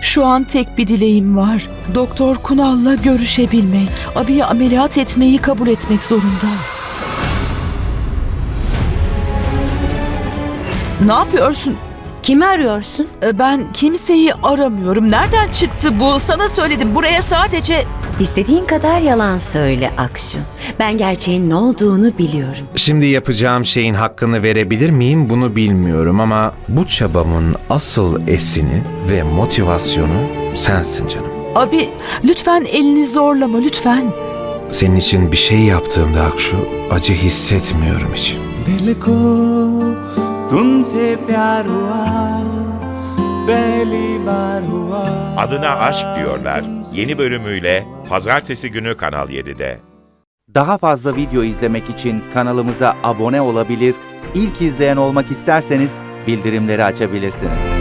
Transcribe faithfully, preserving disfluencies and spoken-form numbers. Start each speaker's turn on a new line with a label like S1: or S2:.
S1: Şu an tek bir dileğim var. Doktor Kunal'la görüşebilmek. Abi'yi ameliyat etmeyi kabul etmek zorunda. Ne yapıyorsun?
S2: Kimi arıyorsun?
S1: E, Ben kimseyi aramıyorum. Nereden çıktı bu? Sana söyledim. Buraya sadece...
S2: İstediğin kadar yalan söyle Akşu. Ben gerçeğin ne olduğunu biliyorum.
S3: Şimdi yapacağım şeyin hakkını verebilir miyim bunu bilmiyorum ama bu çabamın asıl esini ve motivasyonu sensin canım.
S1: Abi lütfen elini zorlama lütfen.
S3: Senin için bir şey yaptığımda Akşu acı hissetmiyorum hiç.
S4: दिल को तुमसे प्यार हुआ पहली बार हुआ.
S5: Adına Aşk diyorlar yeni bölümüyle Pazartesi günü Kanal yedide.
S6: Daha fazla video izlemek için kanalımıza abone olabilir, ilk izleyen olmak isterseniz bildirimleri açabilirsiniz.